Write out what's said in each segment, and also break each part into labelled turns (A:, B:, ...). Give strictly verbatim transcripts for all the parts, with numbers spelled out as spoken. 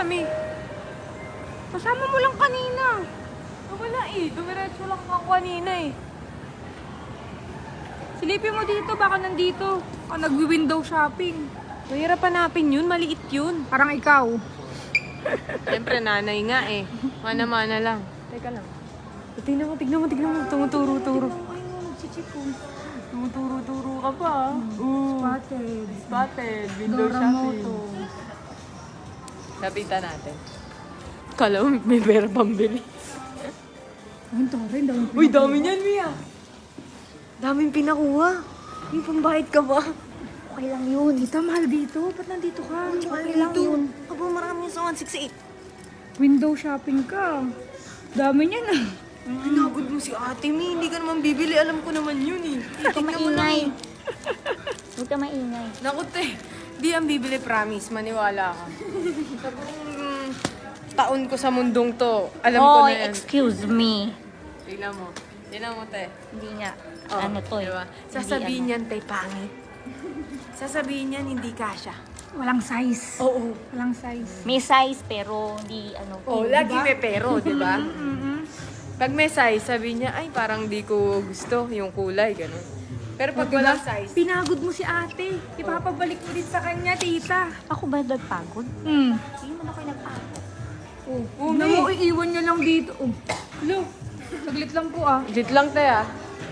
A: Mi?
B: Kasama mo lang kanina.
A: Ah, wala eh. Dumiretso lang ako kanina eh.
B: Silipin mo dito, baka nandito. O nagwi-window shopping.
A: Mahirap hanapin yun. Maliit yun.
B: Parang ikaw.
A: Siyempre, nanay nga eh. Mana-mana lang. Teka lang. Tignan mo, tignan mo, tignan mo. Tumuturo-turo.
B: Ay, mo, nagchichipon.
A: Tumuturo-turo ka pa ah. Oo.
B: Spotted.
A: Spotted. Window
B: Doramoto.
A: shopping. Lapitan natin. Kala mo may pera pambili.
B: Ang tara, ang dami.
A: Uy, dami niyan, Mia. Daming pinakuha. Yung pambayad ka ba?
B: Okay lang yun. Tita, mahal dito. Ba't nandito ka? Okay lang yun.
A: Aba, marami sa one sixty-eight.
B: Window shopping ka. Dami niya na.
A: Pinagod mo si ate, Mi. Hindi ka naman bibili. Alam ko naman yun eh.
C: Huwag ka maingay. Huwag ka maingay.
A: Naku, te. Di ang bibili, promise. Maniwala ka. Sa buong taon ko sa mundong to, alam ko
C: Oh,
A: na yan.
C: excuse me.
A: Tignan mo. Tignan mo, te.
C: Hindi nga.
A: Oh,
C: ano to eh.
A: diba?
C: Hindi
A: Sasabihin
C: ano.
A: niyan, te, pangit. Sasabihin niyan, hindi kasha.
B: Walang size.
A: Oo.
B: Walang size.
C: May size pero hindi ano.
A: Oh,
C: hindi
A: lagi
C: ba?
A: may pero, di ba? Pag may size, sabi niya, ay, parang di ko gusto yung kulay, gano'n. Pero pag
B: Diba?
A: walang size,
B: Pinagod mo si ate. Ipapabalik mo din sa kanya, tita.
C: Ako ba nagpagod?
B: Hmm.
C: Hindi man ako nagpagod.
B: Oh,
A: Oh,
B: na
A: May.
B: mo, iiwan niya lang dito. Oh. Hello. Saglit lang po ah.
A: legit lang tayo, ah.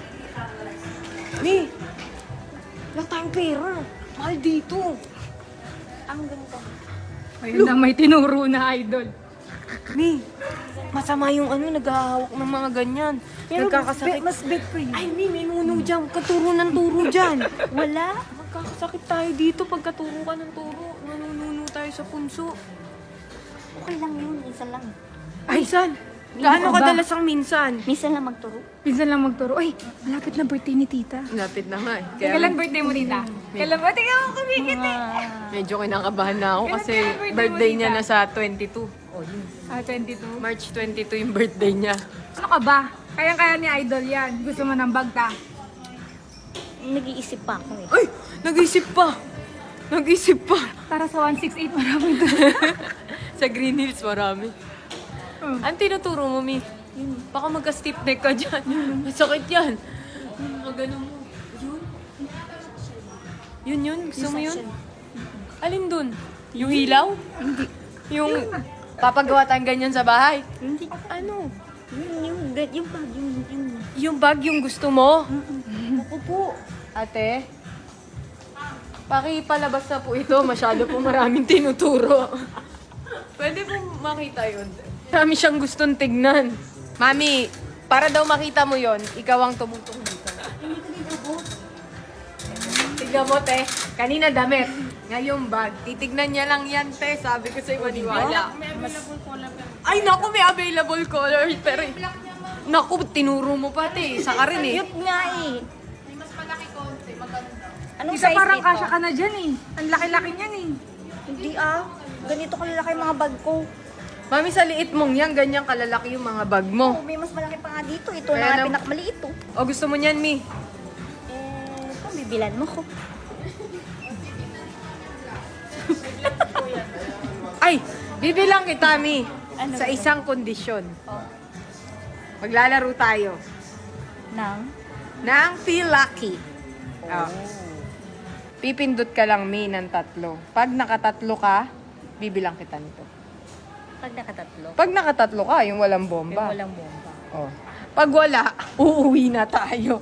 A: Mi, wala tayong pera. Mahal dito.
C: Ang ganito.
B: Ayun na, may tinuro na idol.
A: Mi, masama yung ano, naghahawak ng mga ganyan. Nagkakasakit.
B: mas bet for you.
A: Ay, Mi, may nuno dyan. Katuro ng turo dyan.
C: Wala.
A: Magkakasakit tayo dito pag katuro ka ng turo. Nanununo tayo sa punso.
C: Okay lang yun. Minsan lang.
A: Ay, san? Gaano
B: Ba?
A: kadalas ang minsan?
C: Minsan lang magturo.
B: Pinsan lang magturo. Ay, malapit na birthday ni tita.
A: Lapit na nga eh.
B: Kailan birthday mo, tita? Kailan ba? Tingnan mo, kumikit eh.
A: Medyo kinakabahan na ako kasi
B: kailan birthday mo,
A: birthday niya
B: tita?
A: na sa twenty-two. Oh, yun.
B: Ah, twenty-two.
A: March twenty-two yung birthday niya.
B: Ano ka ba? Kayang-kaya ni idol yan. Gusto mo ng bagta?
C: Nag-iisip pa ako eh.
A: Ay! Nag-isip pa! Nag-isip pa!
B: Para sa one sixty-eight, maraming to.
A: Sa Green Hills, marami.
B: Oh.
A: Ano tinuturo mo, Mi? Yun. Baka magka-stiff neck ka dyan. Masakit yan. Yun, mga ganun mo. Yun. Yun yun? Gusto mo yun? Alin dun? Yung hilaw? Hindi. Yung papagawa tayong ganyan sa bahay?
C: Hindi.
A: Ano?
C: Yung, yung, yung, bag, yung, yung,
A: Yung bag yung gusto mo?
C: ako po.
A: Ate? Pakipalabas na po ito. Masyado po maraming tinuturo. Pwede po makita yun. Marami siyang gustong tignan. Mami, para daw makita mo yon, ikaw ang tumutong dito. Tignan mo, te. Kanina damit. Ngayong bag. Titignan niya lang yan, te. Sabi ko sa'yo, maniwala. Ay, naku, may available color. Pero, naku, tinuro mo pa, te. Isa ka rin, eh.
C: Cute nga eh. Anong
B: Tita,
C: size
B: parang
C: nito?
B: kasya ka na dyan eh. Ang laki-laki niyan eh.
C: Hindi ah. Ganito kalalaki yung mga bag ko.
A: Mami, sa liit mong yan, ganyan kalalaki yung mga bag mo.
C: Oh, may mas malaki pa nga dito. Ito
A: Kaya
C: na nga
A: nam-
C: pinakamaliit oh.
A: O, gusto mo niyan, Mi?
C: Eh, kung bibilan mo ko.
A: Ay, bibilang kita, Mi.
C: Ano
A: Sa
C: ba?
A: isang kondisyon.
C: Oh.
A: Maglalaro tayo
C: Nang?
A: ng Feel Lucky. Oh. Pipindot ka lang, Mi, ng tatlo. Pag nakatatlo ka, bibilang kita nito.
C: Pag nakatatlo.
A: Pag nakatatlo ka, yung walang
C: May
A: bomba.
C: walang bomba.
A: Oh. Pag wala, uuwi na tayo.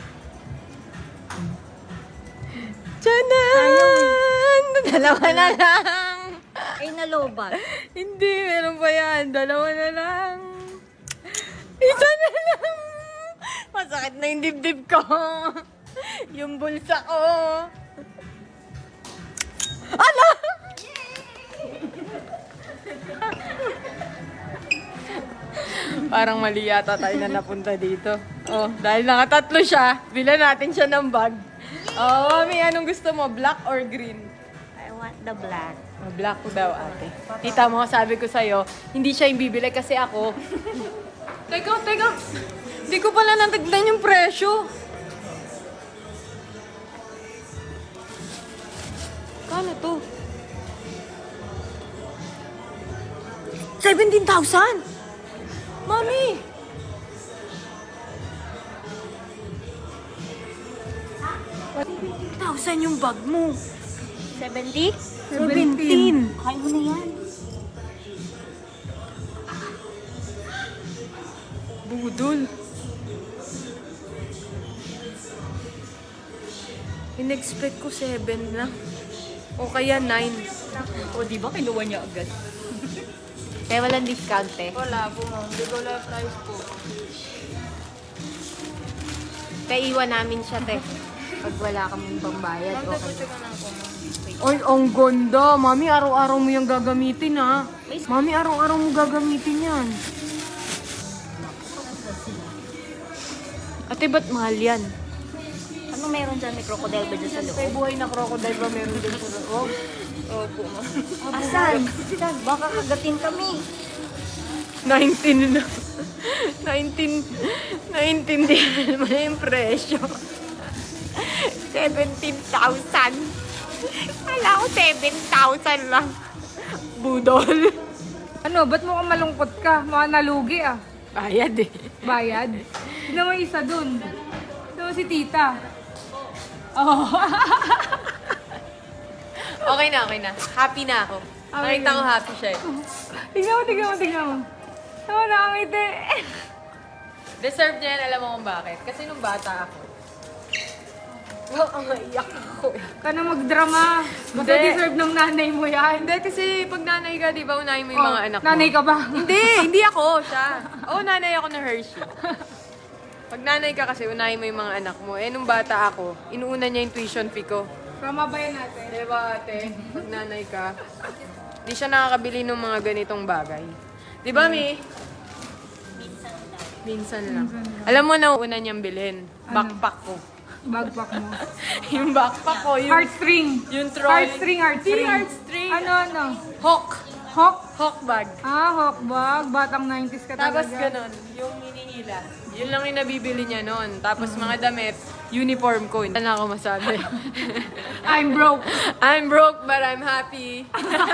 A: Tiyanan! Dalawa na lang.
C: Ay, nalobat.
A: Hindi, meron pa yan. Dalawa na lang. Isa na lang. Masakit na yung dibdib ko. Yung bulsa ko. Ala! Parang mali yata tayo na napunta dito. Oh, dahil nakatatlo siya, bilan natin siya ng bag. Oh, mami, anong gusto mo? Black or green?
C: I want the black.
A: Oh, black ko daw, ate. Tita mo, sabi ko sa'yo, hindi siya yung bibili kasi ako. Teka, teka. Hindi ko pala natagdan yung presyo. Kano to? seventeen thousand! Mami! seventeen thousand yung bag mo.
C: seventy?
A: seventeen!
C: Kaya mo na yan.
A: Budol. In-expect ko seven lang. O kaya nine.
C: O, di ba kinuha niya agad? Kaya walang discount eh.
A: Wala po, ma'am. Hindi ko wala price po.
C: Kaya iwan namin siya, te. Pag wala kaming pambayad, okay.
A: Ay, ang ganda. Mami, araw-araw mo yung gagamitin, ha? Mami, araw-araw mo gagamitin yan. Ate, ba't mahal yan?
C: Ano meron dyan? May crocodile ba dyan sa
A: May
C: loob?
A: buhay na crocodile ba meron din sa loob?
C: Opo, ma'am. Asan? Asan? Baka kagatin kami.
A: nineteen na. nineteen. Naintindihan mo na yung presyo. seventeen thousand. Kala ko seven thousand lang. Budol.
B: Ano, ba't mo ka malungkot ka? Mga nalugi ah.
A: Bayad eh.
B: Bayad. Tignan mo yung isa dun. Tignan mo si tita. Oh.
A: Okay na, okay na. Happy na ako.
B: Okay
A: Nakita
B: na.
A: ko happy siya eh.
B: Tignan mo, tignan mo, tignan mo. Tama na kami, te.
A: Deserve niya yan, alam mo kung bakit. Kasi nung bata ako, wow, ang iyak ako eh.
B: Ka na magdrama. Basta
A: Hindi.
B: deserve ng nanay mo yan.
A: Hindi, kasi pag nanay ka, di ba, unahin mo yung mga
B: Oh,
A: anak mo.
B: nanay ka ba?
A: Hindi, hindi ako, siya. Oo, nanay ako na Hershey. Pag nanay ka kasi, unahin mo yung mga anak mo. Eh, nung bata ako, inuuna niya yung tuition fee ko.
B: Tama ba yan natin?
A: Di ba, ate? Pag nanay ka, di siya nakakabili ng mga ganitong bagay. Di ba, Mi? Minsan lang. Alam mo na una niyang bilhin? Backpack ko.
B: Backpack mo.
A: yung backpack ko, yung...
B: Heartstring.
A: Yung trolley.
B: Heartstring, heartstring.
A: Di heartstring.
B: Ano, ano?
A: Hawk.
B: Hawk?
A: Hawk bag.
B: Ah, hawk bag. Batang nineties ka
A: Tapos
B: talaga.
A: ganun, yung hinihila. Yun lang yung nabibili niya noon. Tapos mga damit, uniform ko. Hindi na ako masabi.
B: I'm broke.
A: I'm broke, but I'm happy.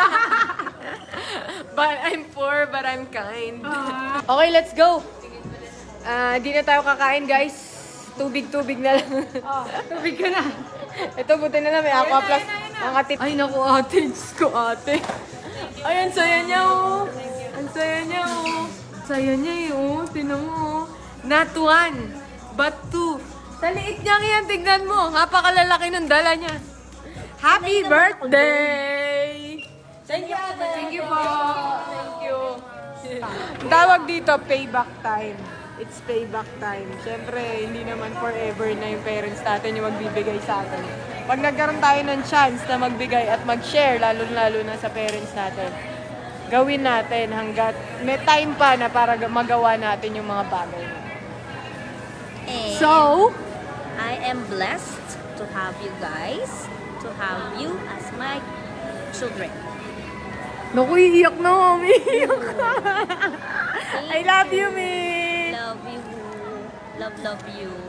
A: But I'm poor, but I'm kind. Okay, let's go. Ah, di na tayo kakain, guys. Tubig-tubig na lang.
B: Oh, tubig ka na.
A: Ito, buti na lang. May aqua plus. Ang atit. Ay, naku, ate. Diyos ko, ate. Ay, ang saya niya, oh. Ang saya niya, oh. Ang saya niya, eh, oh. Tinan mo, oh. Not one, but two. Sa liit niya yan, tignan mo. Napakalalaki ng dala niya. Happy birthday! Thank you, ate.
B: Thank you po.
A: Thank you. Ang tawag dito, payback time. It's payback time. Siyempre, hindi naman forever na yung parents natin yung magbibigay sa atin. Pag nagkaroon tayo ng chance na magbigay at mag-share, lalo-lalo na sa parents natin, gawin natin hanggat may time pa na para magawa natin yung mga bagay.
C: And
A: So,
C: I am blessed to have you guys, to have you as my children.
A: naku, iiyak na, mami. Iiyak ka. I love you, Mi.
C: Love you. Love, love you.